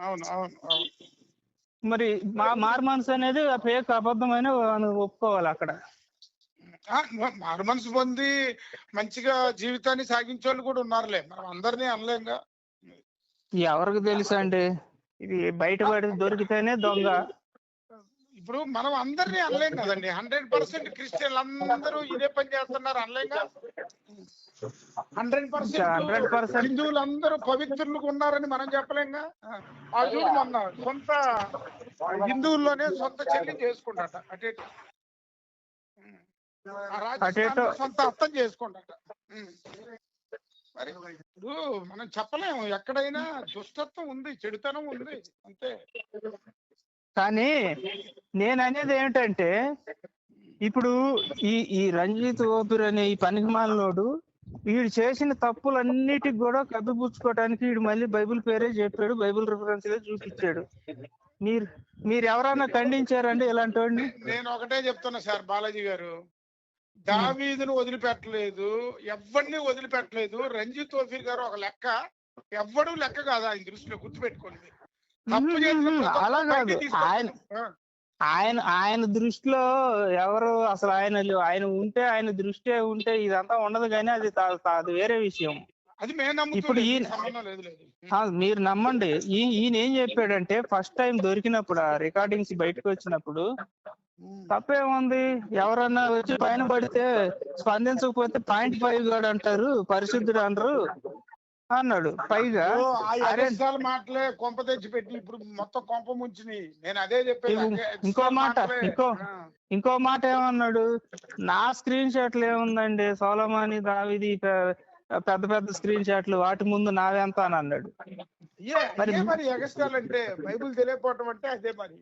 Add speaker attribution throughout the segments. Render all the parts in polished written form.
Speaker 1: అవును అవును అవును.
Speaker 2: మరి మారు మనసు అనేది ఫేక్ అబద్ధమైన ఒప్పుకోవాలి అక్కడ.
Speaker 1: మారు మనసు పొంది మంచిగా జీవితాన్ని సాగించే వాళ్ళు కూడా ఉన్నారులే, మనం అందరినీ అనలేంగా.
Speaker 2: ఎవరికి తెలుసు అండి, ఇది బయటపడి దొరికితేనే దొంగ.
Speaker 1: ఇప్పుడు మనం అందరినీ అనలేం కదండి. 100% క్రిస్టియన్లు అందరూ ఇదే పని చేస్తున్నారు అనలేంగా. 100% హిందువులు అందరూ పవిత్రులుగా ఉన్నారని మనం చెప్పలేంగా. ఆ చూడు మొన్న సొంత హిందువుల్లోనే సొంత చెల్లిని చేసుకుంటాట, అటేటో రాజస్థాన్ సొంత అర్థం చేసుకుంటాట. మరి ఇప్పుడు మనం చెప్పలేము, ఎక్కడైనా దుష్టత్వం ఉంది, చెడుతనం ఉంది, అంతే.
Speaker 2: కానీ నేను అనేది ఏమిటంటే, ఇప్పుడు ఈ రంజిత్ ఓపిర్ అనే ఈ పనికిమాలినోడు వీడు చేసిన తప్పులన్నిటికి కూడా కప్పిపుచ్చుకోవడానికి వీడు మళ్ళీ బైబిల్ పేరే చెప్పాడు, బైబిల్ రిఫరెన్స్ చూపించాడు. మీరు ఎవరైనా ఖండించారండి ఇలాంటి వాడిని?
Speaker 1: నేను ఒకటే చెప్తున్నా సార్ బాలాజీ గారు, దావీదును వదిలిపెట్టలేదు, ఎవరిని వదిలిపెట్టలేదు. రంజిత్ ఓఫీర్ గారు ఒక లెక్క, ఎవ్వడు లెక్క కాదు ఆయన దృష్టిలో, గుర్తుపెట్టుకోండి. తప్పు
Speaker 2: అలా కాదు, ఆయన దృష్టిలో ఎవరు అసలు ఆయన ఉంటే, ఆయన దృష్టి ఉంటే ఇదంతా ఉండదు, కానీ అది వేరే విషయం.
Speaker 1: అది ఇప్పుడు
Speaker 2: మీరు నమ్మండి, ఈయన ఏం చెప్పాడంటే, ఫస్ట్ టైం దొరికినప్పుడు ఆ రికార్డింగ్స్ బయటకు వచ్చినప్పుడు, తప్పేముంది, ఎవరన్నా వచ్చి పైన పడితే స్పందించకపోతే 0.5 గాడు అంటారు, పరిశుద్ధుడు అనరు అన్నాడు. పైగా
Speaker 1: మాటలే కొంప తెచ్చి పెట్టి ఇప్పుడు మొత్తం కొంప ముంచి నేను అదే చెప్పాను.
Speaker 2: ఇంకో మాట ఏమన్నాడు, నా స్క్రీన్ షాట్లు ఏముందండి, సోలమాని దావీది పెద్ద పెద్ద స్క్రీన్ షాట్లు, వాటి ముందు నావెంత అని అన్నాడు.
Speaker 1: మరి ఎగస్ట్రాలు అంటే బైబిల్ తెలియకపోవటం అంటే అదే మరి.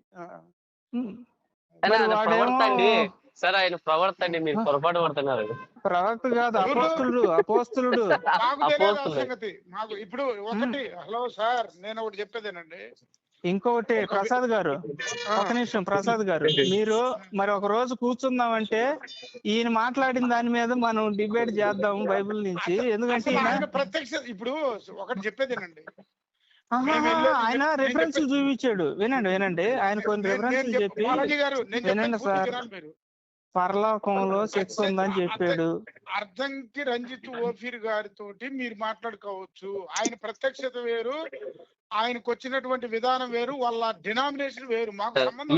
Speaker 3: సార్ ఆయన ప్రవర్త అండి, మీరు పొరపాటు పడుతున్నారు.
Speaker 2: ప్రవక్త కాదు, అపోస్తులుడు.
Speaker 1: సంగతి మాకు ఇప్పుడు ఒకటి. హలో సార్, నేను ఒకటి చెప్పేదేనండి.
Speaker 2: ఇంకొకటి ప్రసాద్ గారు, ఒక నిమిషం ప్రసాద్ గారు, మీరు మరి ఒక రోజు కూర్చుందామంటే ఈయన మాట్లాడిన దాని మీద మనం డిబేట్ చేద్దాం బైబిల్ నుంచి. ఎందుకంటే
Speaker 1: ప్రత్యక్ష ఇప్పుడు ఒకటి చెప్పేదేనండి,
Speaker 2: ఆయన రిఫరెన్స్ చూపించాడు. వినండి, ఆయన కొన్ని రిఫరెన్స్ చెప్పి, వినండి సార్, పరలోకంలో సెక్స్ ఉందని చెప్పాడు.
Speaker 1: అర్థంకి రంజిత్ ఓఫీర్ గారితో మీరు మాట్లాడుకోవచ్చు. ఆయన ప్రత్యక్షత వేరు, ఆయనకు వచ్చినటువంటి విధానం వేరు, వాళ్ళ డినామినేషన్ వేరు, మాకు సంబంధం.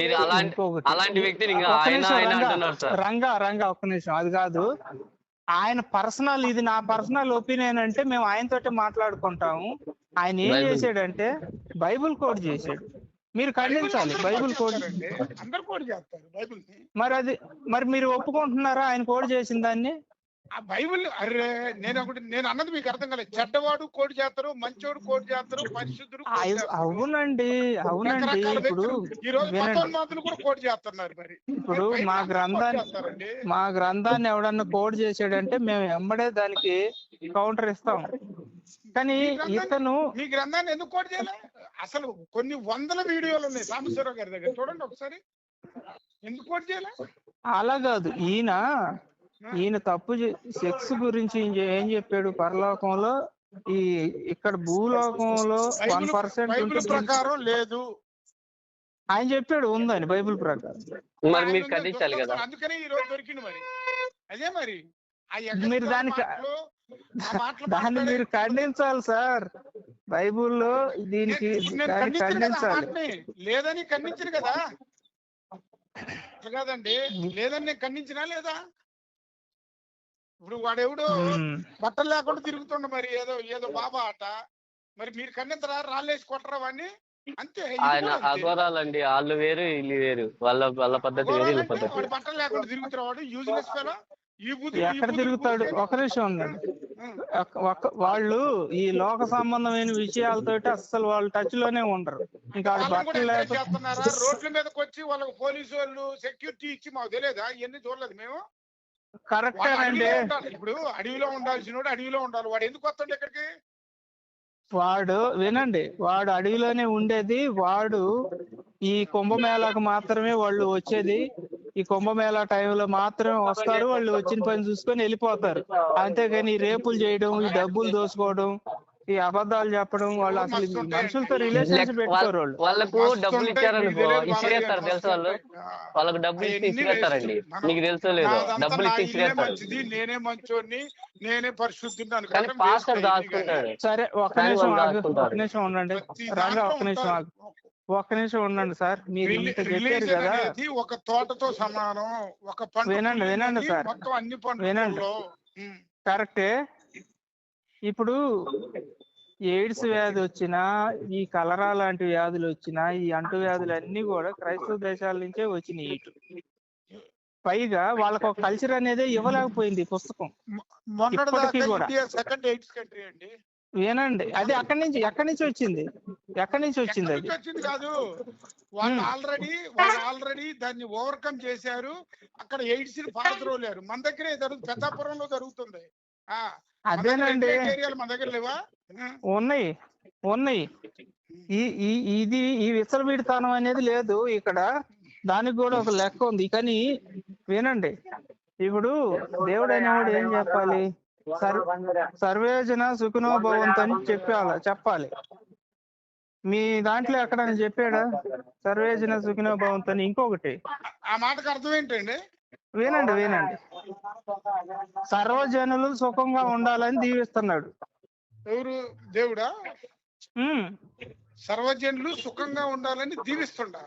Speaker 2: రంగా ఒక్క నిమిషం, అది కాదు, ఆయన పర్సనల్, ఇది నా పర్సనల్ ఒపీనియన్ అంటే మేము ఆయనతోటే మాట్లాడుకుంటాము. ఆయన ఏం చేశాడంటే బైబిల్ కోడ్ చేశాడు. మీరు ఖండించాలి, బైబిల్ కోడ్.
Speaker 1: అందరు కోడ్ చేస్తారు బైబిల్.
Speaker 2: మరి మీరు ఒప్పుకుంటున్నారా ఆయన కోడ్ చేసిన దాన్ని?
Speaker 1: ఆ బైబిల్, అరే నేను అన్నది మీకు అర్థం కాలేదు. చెడ్డవాడు కోడ్ చేస్తారు, మంచోడు కోడ్ చేస్తారు, పరిశుద్ధుడు.
Speaker 2: అవునండి. ఇప్పుడు
Speaker 1: కూడా కోడ్ చేస్తున్నారు. మరి
Speaker 2: ఇప్పుడు మా గ్రంథాన్ని ఎవడన్నా కోడ్ చేసాడంటే మేము వెంబడే దానికి కౌంటర్ ఇస్తాం. కానీ ఇతను
Speaker 1: మీ గ్రంథాన్ని ఎందుకు కోడ్ చేయాలి? అసలు కొన్ని వందల వీడియోలు ఉన్నాయి సాంబశివరావు గారి దగ్గర, చూడండి ఒకసారి. ఎందుకు కోడ్ చేయాలి?
Speaker 2: అలా కాదు, ఈయన తప్పు సెక్స్ గురించి ఏం చెప్పాడు, పరలోకంలో ఇక్కడ భూలోకంలో 1%
Speaker 1: ప్రకారం లేదు
Speaker 2: ఆయన చెప్పాడు, ఉందని బైబిల్ ప్రకారం.
Speaker 3: మరి మీరు ఖండించాలి కదా,
Speaker 1: అందుకని ఈ రోజు దొరికింది. మరి అదే మరి
Speaker 2: మీరు దాన్ని మీరు ఖండించాలి సార్, బైబుల్లో దీనికి ఖండించాలి.
Speaker 1: లేదని ఖండించరు కదా, కాదండి, లేదని నేను ఖండించినా లేదా? ఇప్పుడు వాడెవడో బట్టలు లేకుండా తిరుగుతుండ, మరి ఏదో బాబా ఆట, మరి మీరు ఖండించరా? రాళ్ళేసి కొట్టరా వాడిని? అంతే.
Speaker 3: ఆయన అఘోరాలండి, వాళ్ళు వేరు వీళ్ళు వేరు, వాళ్ళ పద్ధతి వేరు, వీళ్ళ పద్ధతి.
Speaker 1: వాడు బట్టలు లేకుండా తిరుగుతున్నా, వాడు యూజ్లెస్ ఫెలో.
Speaker 2: ఎక్కడ తిరుగుతాడు? ఒక నిమిషం ఉందండి. వాళ్ళు ఈ లోక సంబంధమైన విషయాలతో అస్సలు వాళ్ళు టచ్ లోనే ఉండరు. ఇంకా
Speaker 1: రోడ్ల మీదకి వచ్చి వాళ్ళకి పోలీసు వాళ్ళు సెక్యూరిటీ ఇచ్చి, మాకు తెలియదా? ఇవన్నీ చూడలేదు మేము.
Speaker 2: కరెక్టేనండి.
Speaker 1: ఇప్పుడు అడవిలో ఉండాల్సిన అడవిలో ఉండాలి, వాడు ఎందుకు వస్తాడు ఇక్కడికి?
Speaker 2: వినండి, వాడు అడవిలోనే ఉండేది. వాడు ఈ కుంభమేళాకు మాత్రమే వాళ్ళు వచ్చేది. ఈ కుంభమేళా టైంలో మాత్రమే వస్తారు, వాళ్ళు వచ్చిన పని చూసుకొని వెళ్ళిపోతారు. అంతేగాని రేపులు చేయడం, ఈ డబ్బులు దోసుకోవడం, ఈ అబద్ధాలు చెప్పడం, వాళ్ళు అసలు
Speaker 1: మస్తు ఉంటాయండి.
Speaker 2: మనుషులతో రిలేషన్స్ పెట్టుకోరు వాళ్ళు.
Speaker 3: వాళ్ళకు
Speaker 1: మస్తు
Speaker 3: డబ్బులు
Speaker 1: ఉంటాయి,
Speaker 3: ఇచ్చారనుకో
Speaker 1: మీకు తెలియదు బాలాజీ గారు,
Speaker 3: ఇసిరేస్తారు తెలుసా
Speaker 1: మస్తు
Speaker 3: వాళ్ళు.
Speaker 1: ఉంటాయి.
Speaker 3: వాళ్ళకు డబ్బులు ఇచ్చి
Speaker 1: అవన్నీ
Speaker 3: ఇసిరేస్తారండి.
Speaker 1: వేస్ట్.
Speaker 3: నీకు తెలుసో లేదో,
Speaker 1: నాదంతా
Speaker 3: డబ్బులు
Speaker 1: నా
Speaker 3: ఇచ్చి
Speaker 1: ఇల్లే
Speaker 3: ఇసిరేస్తారు.
Speaker 1: మంచిది, నేనే మంచోడిని, నేనే పరిశుద్ధిని
Speaker 3: కానీ
Speaker 1: అనుకోవడం వేస్ట్
Speaker 3: పాస్టర్
Speaker 1: అయింది. కానీ
Speaker 3: దాచుకుంటాడు.
Speaker 2: సరే ఒక్క
Speaker 3: కానీ
Speaker 2: నిమిషం
Speaker 3: వాళ్ళు
Speaker 2: ఆగు,
Speaker 3: దాచుకుంటారు.
Speaker 2: ఒక్క నిమిషం ఉండండి
Speaker 1: ప్రతి
Speaker 2: రంగా,
Speaker 1: దాంట్లో
Speaker 2: ఒక్క నిమిషం
Speaker 1: ఉంటారు.
Speaker 2: ఆగు, ఒక్క నిమిషం ఉండండి సార్. మీరు ఇంత చెప్పారు
Speaker 1: రిలీజన్
Speaker 2: కదా,
Speaker 1: అనేది ఒక తోటతో సమానం. ఒక పంట
Speaker 2: వినండి వినండి సార్,
Speaker 1: మొత్తం అన్ని
Speaker 2: వినండి.
Speaker 1: పంటల్లో
Speaker 2: కరెక్టే. ఇప్పుడు ఎయిడ్స్ వ్యాధి వచ్చినా, ఈ కలరా లాంటి వ్యాధులు వచ్చినా, ఈ అంటు వ్యాధులు అన్ని కూడా క్రైస్తవ దేశాల నుంచే వచ్చినాయి ఇటు. పైగా వాళ్ళకు ఒక కల్చర్ అనేది ఇవ్వలేకపోయింది ఈ పుస్తకం ఇప్పటికీ కూడా.
Speaker 1: సెకండ్ ఎయిడ్స్ కంట్రీ అండి.
Speaker 2: వినండి, అది ఎక్కడి నుంచి వచ్చింది, ఎక్కడి నుంచి వచ్చింది అది?
Speaker 1: వచ్చింది కాదు, వాళ్ళు ఆల్రెడీ దాన్ని ఓవర్కమ్ చేశారు. అక్కడ ఎయిడ్స్ ని పారద్రోలేరు. మన దగ్గరే పెద్దాపురంలో జరుగుతుంది.
Speaker 2: అదేనండి,
Speaker 1: ఏరియాలు మన దగ్గర లేవా?
Speaker 2: ఉన్నాయి. ఈ విచ్చలవిడితనం అనేది లేదు ఇక్కడ. దానికి కూడా ఒక లెక్క ఉంది. కానీ వినండి, ఇప్పుడు దేవుడు అనేవాడు ఏం చెప్పాలి? సర్వేజన సుఖినో భవంతు అని చెప్పాలి. మీ దాంట్లో ఎక్కడని చెప్పాడా సర్వేజన సుఖినో భవంతు అని? ఇంకొకటి,
Speaker 1: ఆ మాటకు అర్థం ఏంటండి?
Speaker 2: వినండి, సర్వజనులు సుఖంగా ఉండాలని దీవిస్తున్నాడు.
Speaker 1: ఎవరు? దేవుడా? సర్వజనులు సుఖంగా ఉండాలని దీవిస్తుండా?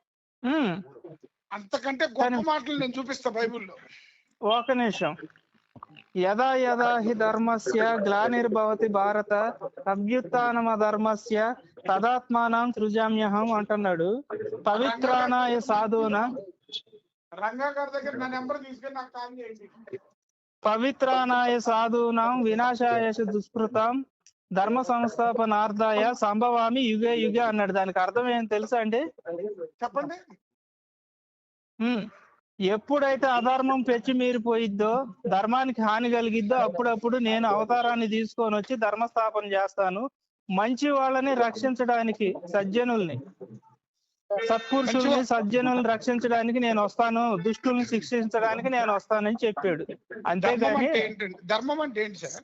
Speaker 1: అంతకంటే గొప్ప మాటలు నేను చూపిస్తా బైబిల్లో.
Speaker 2: ఒక నిమిషం. యదా యదా హి ధర్మస్య గ్లానిర్భవతి భారత అభ్యుత్థానమ ధర్మస్య తదాత్మానం సృజామ్యహం అంటున్నాడు. పవిత్రానాయ సాధువున
Speaker 1: రంగా గారి దగ్గర నా నెంబర్ తీసుకొని నాకు కాల్ చేయండి.
Speaker 2: పవిత్రానాయ సాధూనాం వినాశాయ దుష్కృతం ధర్మ సంస్థాపనార్థాయ సంభవామి యుగే యుగే అన్నాడు. దానికి అర్థం ఏం తెలుసా అండి?
Speaker 1: చెప్పండి.
Speaker 2: ఎప్పుడైతే అధర్మం పెంచి మీరిపోయిద్దో, ధర్మానికి హాని కలిగిద్దో, అప్పుడప్పుడు నేను అవతారాన్ని తీసుకొని వచ్చి ధర్మస్థాపన చేస్తాను. మంచి వాళ్ళని రక్షించడానికి, సజ్జనుల్ని, సత్పురుషుల్ని, సజ్జనుల్ని రక్షించడానికి నేను వస్తాను, దుష్టుల్ని శిక్షించడానికి నేను వస్తానని చెప్పాడు. అంతేగాని
Speaker 1: ధర్మం అంటే ఏంటి సార్?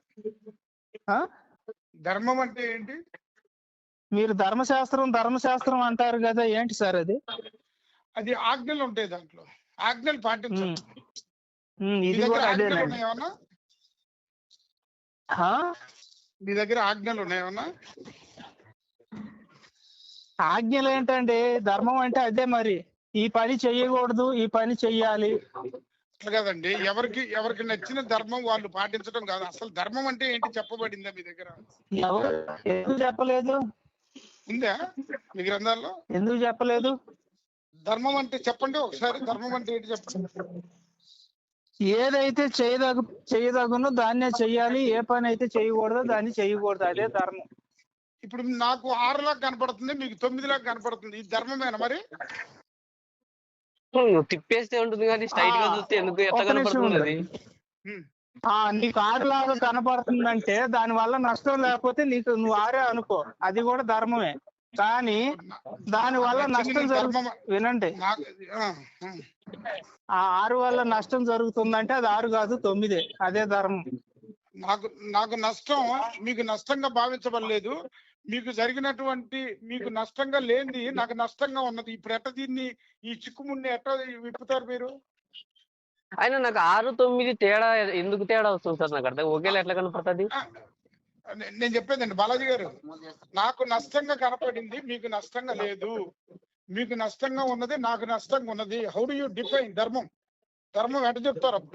Speaker 1: ధర్మం అంటే ఏంటి?
Speaker 2: మీరు ధర్మశాస్త్రం అంటారు కదా, ఏంటి సార్ అది?
Speaker 1: అది ఆజ్ఞలు ఉంటాయి, దాంట్లో ఆజ్ఞలు పాటించాలి.
Speaker 2: ఇది కూడా అదేనండి.
Speaker 1: మీ దగ్గర ఆజ్ఞలు ఉన్నాయేమన్నా?
Speaker 2: ఆజ్ఞలు ఏంటండి? ధర్మం అంటే అదే మరి. ఈ పని చెయ్యకూడదు, ఈ పని చెయ్యాలి
Speaker 1: అట్లా కదండి. ఎవరికి నచ్చిన ధర్మం వాళ్ళు పాటించడం కాదు. అసలు ధర్మం అంటే ఏంటి చెప్పబడిందా మీ దగ్గర?
Speaker 2: ఎందుకు చెప్పలేదు?
Speaker 1: ఉందా మీ గ్రంథాల్లో?
Speaker 2: ఎందుకు చెప్పలేదు?
Speaker 1: ధర్మం అంటే చెప్పండి ఒకసారి. ధర్మం అంటే ఏంటి చెప్పండి.
Speaker 2: ఏదైతే చేయదగునో దాన్నే చెయ్యాలి, ఏ పని అయితే చేయకూడదో దాన్ని చేయకూడదు, అదే ధర్మం.
Speaker 1: ఇప్పుడు నాకు 6 లాగా కనపడుతుంది, మీకు 9 లాగా కనపడుతుంది. ఇది ధర్మమేనా మరి?
Speaker 3: తిప్పేస్తే ఉంటుంది కానీ స్ట్రైట్ గా చూస్తే ఎందుకు ఎట్లా కనపడుతుంది?
Speaker 2: నీకు 6 లాగా కనపడుతుందంటే దాని వల్ల నష్టం లేకపోతే నువ్వు 6 అనుకో, అది కూడా ధర్మమే. కానీ దాని వల్ల నష్టం వినండి, ఆ 6 వల్ల నష్టం జరుగుతుందంటే అది 6 కాదు 9, అదే ధర్మం.
Speaker 1: నాకు నష్టం మీకు నష్టంగా భావించబడలేదు. మీకు జరిగినటువంటి మీకు నష్టంగా లేనిది నాకు నష్టంగా ఉన్నది. ఇప్పుడు ఎట్ట దీన్ని ఈ చిక్కుముడిని ఎట్ట విప్పుతారు మీరు?
Speaker 3: అయినా నాకు 6, 9 తేడా ఎందుకు తేడా వస్తుంది సార్? నాకు అర్థం ఒకేలా ఎట్లా కనపడుతుంది?
Speaker 1: నేను చెప్పేదండి బాలాజీ గారు, నాకు నష్టంగా కనపడింది, మీకు నష్టంగా లేదు. మీకు నష్టంగా ఉన్నది, నాకు నష్టంగా ఉన్నది. హౌ డు యూ డిఫైన్ ధర్మం? ధర్మం ఎట్ట చెప్తారు అప్పుడు?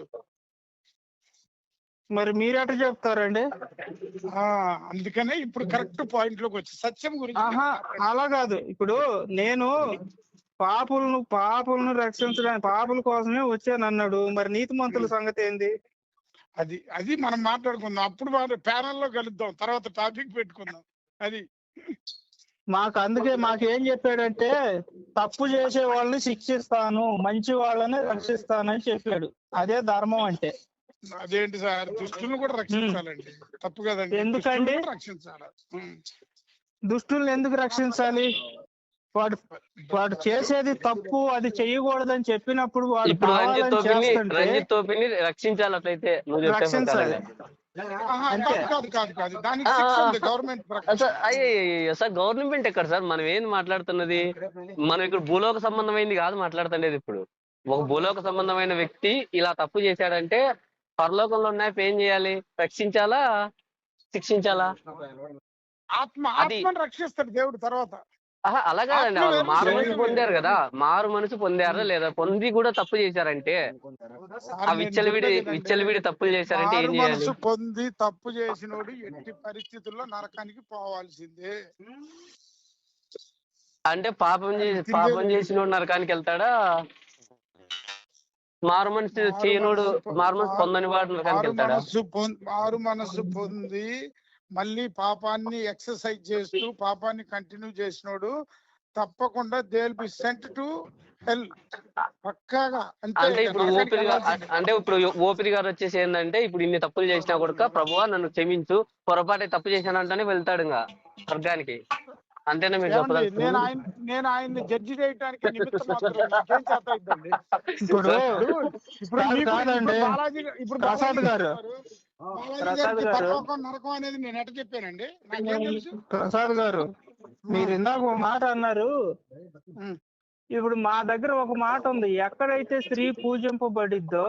Speaker 2: మరి మీరు ఎట్ట చెప్తారండి?
Speaker 1: అందుకనే ఇప్పుడు కరెక్ట్ పాయింట్ లోకి వచ్చి సత్యం గురించి.
Speaker 2: అలా కాదు. ఇప్పుడు నేను పాపులను రక్షించడానికి, పాపుల కోసమే వచ్చాను అన్నాడు. మరి నీతిమంతుల సంగతి ఏంది?
Speaker 1: అది మనం మాట్లాడుకుందాం. అప్పుడు ప్యానల్లో కలుద్దాం, తర్వాత టాపిక్ పెట్టుకుందాం. అది
Speaker 2: అందుకే మాకేం చెప్పాడంటే, తప్పు చేసే వాళ్ళని శిక్షిస్తాను, మంచి వాళ్ళని రక్షిస్తానని చెప్పాడు. అదే ధర్మం అంటే.
Speaker 1: అదేంటి సార్? దుష్టులను కూడా రక్షించాలండి, తప్పు కదండి?
Speaker 2: ఎందుకండి
Speaker 1: రక్షించాలి?
Speaker 2: దుష్టుల్ని ఎందుకు రక్షించాలి? వాడు చేసేది తప్పు, అది చెయ్యకూడదని చెప్పినప్పుడు వాడు
Speaker 3: రంజిత్ తోపిని రక్షించాలి. అట్లయితే
Speaker 2: రక్షించాలి. అంతే.
Speaker 1: కాదు దానికి శిక్ష ఉంది గవర్నమెంట్ ప్రకారం.
Speaker 3: సార్ అయ్యో సార్, గవర్నమెంట్ ఎక్కడ సార్? మనం ఏం మాట్లాడుతున్నది? మనం ఇక్కడ భూలోక సంబంధమైంది కాదు మాట్లాడుతుండేది. ఇప్పుడు ఒక భూలోక సంబంధమైన వ్యక్తి ఇలా తప్పు చేశాడంటే పరలోకంలో ఉన్న ఏం చేయాలి? రక్షించాలా, శిక్షించాలా?
Speaker 1: ఆత్మను రక్షిస్తాడు దేవుడు తర్వాత.
Speaker 3: అలా కాదండి, వాళ్ళు మారు మనసు పొందారు కదా, మారు మనసు పొందారా లేదా? పొంది కూడా తప్పు చేశారంటే, ఆ విచ్చలవిడి తప్పులు చేశారంటే ఏం చేయాలి?
Speaker 1: మనసు పొంది తప్పు చేసినోడు ఎట్టి పరిస్థితుల్లో నరకానికి పోవాల్సిందే.
Speaker 3: అంటే పాపం చేసినోడు నరకానికి వెళ్తాడా? మారు మనసు చేయనోడు, మారు మనసు పొందని వాడు నరకానికి వెళ్తాడా?
Speaker 1: మారు మనసు పొంది మళ్ళీ పాపాన్ని ఎక్సర్సైజ్ చేస్తూ పాపాన్ని కంటిన్యూ చేసినోడు తప్పకుండా they will be sent to hell పక్కాగా.
Speaker 3: అంటే ఇప్పుడు ఓపిరి గారు వచ్చేసి ఏంటంటే, ఇప్పుడు ఇన్ని తప్పులు చేసినా కూడా ప్రభువా నన్ను క్షమించు, పొరపాటు తప్పు చేశానంటేనే వెళ్తాడు ఇంకా స్వర్గానికి. అంతేనా మీరు చెప్పలేదు?
Speaker 1: నేను ఆయన్ని జడ్జి చేయడానికి నిమిత్తం మాత్రం నాకేం చేత అవుతుంది. ఇప్పుడు
Speaker 2: ప్రసాద్ గారు
Speaker 1: నరకం అనేది నేను ఎట్లా చెప్పానండి? నాకేం తెలుసు?
Speaker 2: ప్రసాద్ గారు, మీరు ఇందాక ఒక మాట అన్నారు. ఇప్పుడు మా దగ్గర ఒక మాట ఉంది, ఎక్కడైతే స్త్రీ పూజింపబడిద్దో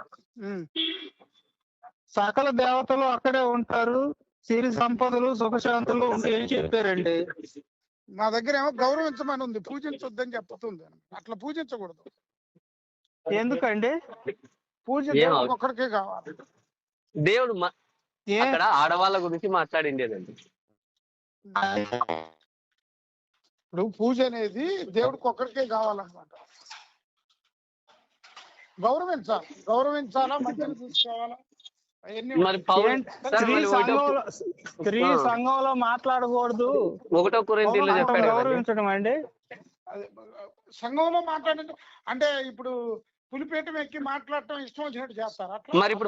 Speaker 2: సకల దేవతలు అక్కడే ఉంటారు, సిరి సంపదలు సుఖశాంతులు ఏం చెప్పారండి?
Speaker 1: మా దగ్గర ఏమో గౌరవించమని ఉంది, పూజించొద్దని చెప్తుంది. అట్లా పూజించకూడదు.
Speaker 2: ఎందుకండి?
Speaker 1: పూజ ఒక్కడికే కావాలి.
Speaker 3: దేవుడు అక్కడ ఆడవాళ్ళ గురించి మాట్లాడిండేదండి.
Speaker 1: ఇప్పుడు పూజ అనేది దేవుడికి ఒక్కడికే కావాలన్నమాట. గౌరవించాలా, మంచిగా చూసుకోవాలా.
Speaker 3: మరి
Speaker 2: స్త్రీ సంఘంలో మాట్లాడకూడదు,
Speaker 3: 1 కొరింథీయుల్లో చెప్పాడు.
Speaker 2: గౌరవించడం అండి
Speaker 1: సంఘంలో మాట్లాడండి అంటే ఇప్పుడు పులిపేటం ఎక్కి మాట్లాడటం ఇష్టం వచ్చినట్టు చేస్తారా?
Speaker 3: మరి ఇప్పుడు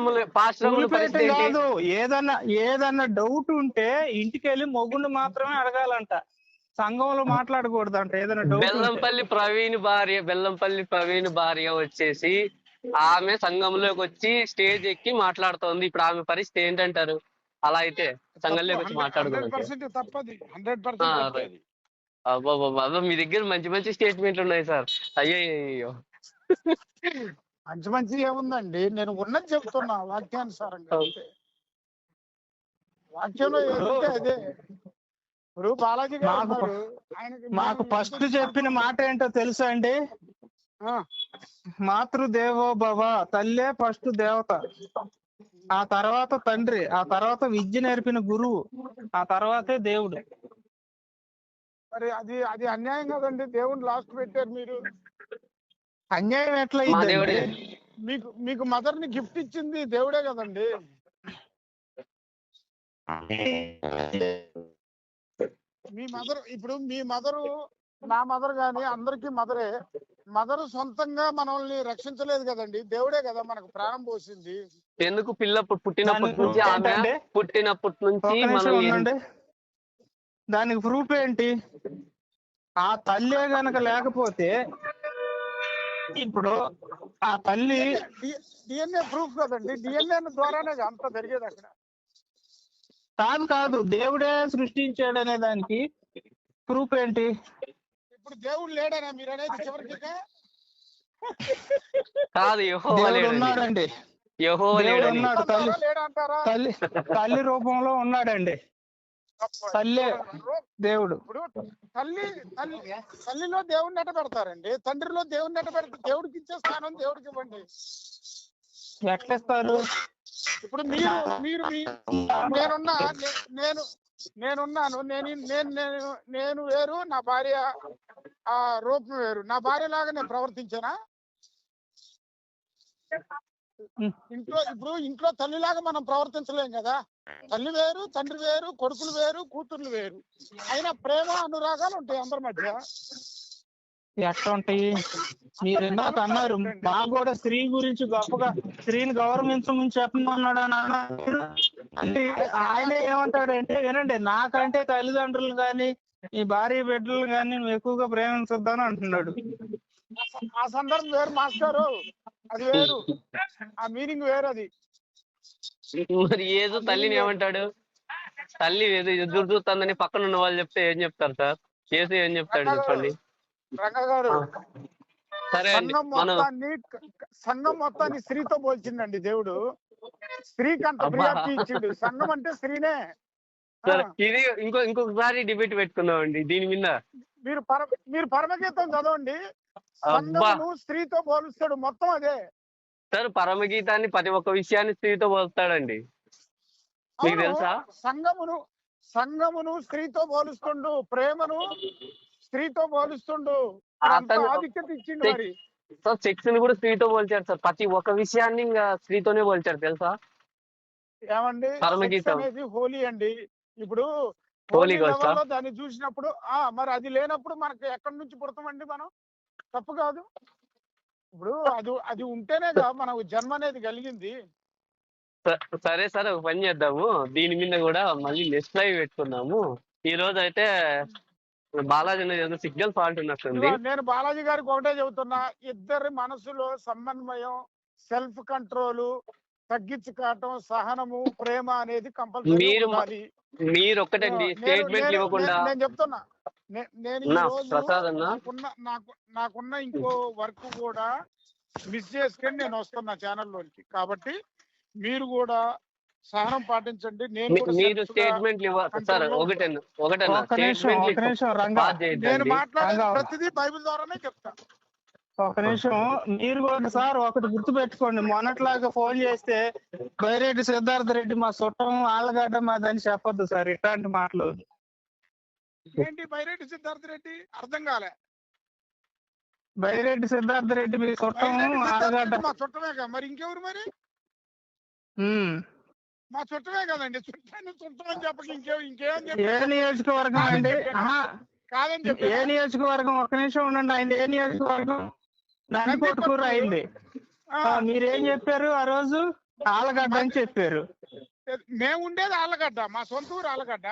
Speaker 3: కాదు,
Speaker 2: ఏదన్నా డౌట్ ఉంటే ఇంటికి వెళ్ళి మొగుండు మాత్రమే అడగాలంట, సంఘంలో మాట్లాడకూడదంట. ఏదైనా డౌట్
Speaker 3: బెల్లంపల్లి ప్రవీణ్ భార్య వచ్చేసి ఆమె సంఘంలోకి వచ్చి స్టేజ్ ఎక్కి మాట్లాడుతోంది. ఇప్పుడు ఆమె పరిస్థితి ఏంటంటారు? అలా అయితే సంఘంలోకి వచ్చి మాట్లాడుకోవాలి. అబ్బా, మీ దగ్గర మంచి మంచి స్టేట్మెంట్లు ఉన్నాయి సార్. అయ్యో
Speaker 1: మంచి ఏముందండి, నేను ఉన్నది చెప్తున్నా వాక్యానుసారంగా. వాక్యంలో ఏదంటే అదే. ఇప్పుడు బాలాజీ
Speaker 2: మాకు ఫస్ట్ చెప్పిన మాట ఏంటో తెలుసా అండి? మాతృదేవో భవ, తల్లే ఫస్ట్ దేవత, ఆ తర్వాత తండ్రి, ఆ తర్వాత విద్య నేర్పిన గురువు, ఆ తర్వాతే దేవుడు.
Speaker 1: మరి అది అన్యాయం కదండి, దేవుడిని లాస్ట్ పెట్టారు మీరు.
Speaker 2: అన్యాయం ఎట్లా అయిందండి?
Speaker 1: మీకు మదర్ ని గిఫ్ట్ ఇచ్చింది దేవుడే కదండి. మీ మదరు నా మదర్ గాని అందరికీ మదరే. మదరు సొంతంగా మనల్ని రక్షించలేదు కదండి, దేవుడే కదా మనకు ప్రాణం పోసింది.
Speaker 3: ఎందుకు పుట్టినప్పటి నుంచి
Speaker 2: దానికి ప్రూఫ్ ఏంటి? ఆ తల్లే గనక లేకపోతే, ఇప్పుడు ఆ తల్లి
Speaker 1: డిఎన్ఏ ప్రూఫ్ కదండి, డిఎన్ఏ ద్వారానే అంత జరిగేది. అక్కడ
Speaker 2: కాదు దేవుడే సృష్టించాడనే దానికి ప్రూఫ్ ఏంటి?
Speaker 1: ఇప్పుడు దేవుడు లేడనా మీరు అనేది? చివరికి
Speaker 3: కాదు,
Speaker 2: ఉన్నాడండి, ఉన్నాడు, తల్లి రూపంలో ఉన్నాడండి. తల్లి దేవుడు.
Speaker 1: ఇప్పుడు తల్లిలో దేవుడిని ఎట్ట పెడతారండి? తండ్రిలో దేవుడిని ఎట్ట పెడతారు? దేవుడికి ఇచ్చే స్థానం దేవుడికి ఇవ్వండి.
Speaker 2: ఎట్లేస్తారు?
Speaker 1: ఇప్పుడు నేనున్నాను, నేను వేరు, నా భార్య ఆ రూపం వేరు. నా భార్య లాగా నేను ప్రవర్తించానా? ఇంట్లో తల్లిలాగా మనం ప్రవర్తించలేం కదా. తల్లి వేరు, తండ్రి వేరు, కొడుకులు వేరు, కూతుర్లు వేరు. అయినా ప్రేమ అనురాగాలు ఉంటాయి అందరి మధ్య.
Speaker 2: ఎట్లా ఉంటాయి? మీరు ఇందాక అన్నారు, మాకు కూడా స్త్రీ గురించి గొప్పగా స్త్రీని గౌరవించమని చెప్పమన్నాడు అని అన్నారు. అంటే ఆయన ఏమంటాడంటే, వినండి, నాకంటే తల్లిదండ్రులు గాని ఈ భార్య బిడ్డలు గాని నువ్వు ఎక్కువగా ప్రేమించొద్దని అంటున్నాడు.
Speaker 1: ఆ సందర్భం వేరు మాస్టారు, అది వేరు, ఆ మీనింగ్ వేరు. అది
Speaker 3: మరి యేసు తల్లిని ఏమంటాడు? తల్లి ఎదురు చూస్తుందని పక్కన ఉన్న వాళ్ళు చెప్తే ఏం చెప్తారు సార్? యేసు ఏం చెప్తాడు చెప్పండి?
Speaker 1: రంగా గారు,
Speaker 3: సరే అండి,
Speaker 1: సంఘం మొత్తాన్ని స్త్రీతో పోల్చిందండి దేవుడు. స్త్రీకి అంత ప్రియారిటీ ఇచ్చిండు. సంఘం అంటే స్త్రీనే.
Speaker 3: సరే, ఇది ఇంకొకసారి డిబేట్ పెట్టుకుందాం అండి దీని మీద.
Speaker 1: మీరు పరమగీతం చదవండి. సంఘమును స్త్రీతో పోలుస్తాడు, మొత్తం అదే.
Speaker 3: సార్, పరమగీతాన్ని ప్రతి ఒక్క విషయాన్ని స్త్రీతో పోలుస్తాడండి, మీకు తెలుసా?
Speaker 1: సంఘమును స్త్రీతో పోలుస్తుండు, ప్రేమను స్త్రీతో పోలుస్తుండు, ఆధిక్యత ఇచ్చిండు. మరి
Speaker 3: సార్, సెక్స్ ని కూడా స్త్రీతో పోల్చారు సార్. ప్రతి ఒక్క విషయాన్ని ఇంకా స్త్రీతోనే పోల్చారు, తెలుసా?
Speaker 1: ఏమండి,
Speaker 3: పరమగీతం
Speaker 1: అనేది హోలీ అండి. ఇప్పుడు
Speaker 3: హోలీ
Speaker 1: దాన్ని చూసినప్పుడు మరి అది లేనప్పుడు మనకి ఎక్కడి నుంచి పుడతామండి మనం? తప్పు కాదు. ఇప్పుడు అది ఉంటేనే మనకు జన్మ అనేది కలిగింది.
Speaker 3: సరే సరే, ఒక పని చేద్దాము, దీని మీద కూడా మళ్ళీ నెక్స్ట్ లైవ్ పెట్టుకుందాము. ఈ రోజు అయితే బాలాజీ ఏదో సిగ్నల్ ఫాల్ట్ ఉన్నట్టుంది.
Speaker 1: నేను బాలాజీ గారికి ఒకటే చెబుతున్నా, ఇద్దరి మనసులో సమన్వయం, సెల్ఫ్ కంట్రోల్, తగ్గించుకోవటం, సహనము, ప్రేమ అనేది కంపల్సరీ ఉండాలి.
Speaker 3: మీరు ఒక్కటండి స్టేట్మెంట్లు ఇవ్వకుండా.
Speaker 1: నేను చెప్తున్నా, నేను నాకున్న ఇంకో వర్క్ కూడా మిస్ చేసుకొని నేను వస్తున్నా ఛానల్లోకి. కాబట్టి మీరు కూడా సహనం పాటించండి.
Speaker 3: మీరు స్టేట్మెంట్లు ఇవ్వాలి సార్.
Speaker 1: నేను మాట్లాడే ప్రతిదీ బైబిల్ ద్వారానే చెప్తా.
Speaker 2: ఒక నిమిషం, మీరు కూడా సార్ ఒకటి గుర్తు పెట్టుకోండి. మొన్నట్లాగా ఫోన్ చేస్తే బైరెడ్డి సిద్ధార్థ రెడ్డి మా చుట్టం, ఆళ్ళగడ్డ మాదని చెప్పొద్దు సార్. ఇట్లాంటి మాటలు
Speaker 1: ఏంటి? బైరెడ్డి సిద్ధార్థ రెడ్డి అర్థం కాలే.
Speaker 2: బైరెడ్డి సిద్ధార్థ రెడ్డి మీ చుట్టం, ఆళ్ళగడ్డ
Speaker 1: మా చుట్టమేగా, మరి ఇంకెవరు? మరి మా చుట్టమే కదండి. చుట్టం అని చెప్పక ఇంకేం చెప్పి.
Speaker 2: ఏ నియోజకవర్గం అండి?
Speaker 1: కాదని చెప్పి
Speaker 2: ఏ నియోజకవర్గం? ఒక్క నిమిషం ఉండండి. ఆయన ఏ నియోజకవర్గం? నందికొట్కూరు అయింది. మీరేం చెప్పారు ఆ రోజు? ఆళ్ళగడ్డ అని చెప్పారు.
Speaker 1: మేము ఉండేది ఆళ్ళగడ్డ, మా సొంత ఊరు ఆళ్ళగడ్డ.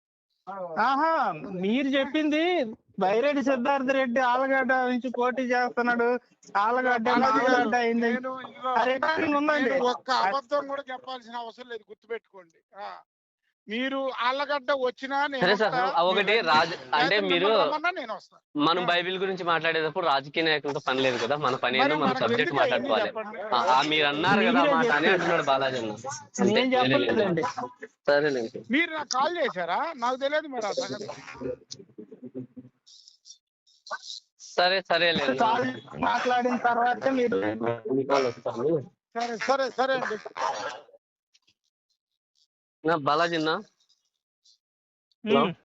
Speaker 2: మీరు చెప్పింది బైరెడ్డి సిద్ధార్థ రెడ్డి ఆళ్ళగడ్డ నుంచి పోటీ చేస్తున్నాడు, ఆళ్ళగడ్డ అయింది.
Speaker 1: ఒక్క అబద్ధం కూడా చెప్పాల్సిన అవసరం లేదు, గుర్తుపెట్టుకోండి. మీరు ఆళ్ళగడ్డ వచ్చినా
Speaker 3: ఒకటి అంటే మీరు మనం బైబిల్ గురించి మాట్లాడేటప్పుడు రాజకీయ నాయకులతో పని లేదు కదా, మన పని ఏదో మన సబ్జెక్ట్ మాట్లాడుకోవాలి. మీరు అన్నారు కదా మాట అని అంటున్నాడు బాలాజీ అన్న. సరేనండి.
Speaker 1: మీరు నాకు కాల్ చేశారా? నాకు తెలియదు మరి ఆ సంగతి.
Speaker 3: సరే సరే
Speaker 2: మాట్లాడిన తర్వాత మీరు
Speaker 1: సరే సరే సరే అండి.
Speaker 3: బాలాజీ అన్న.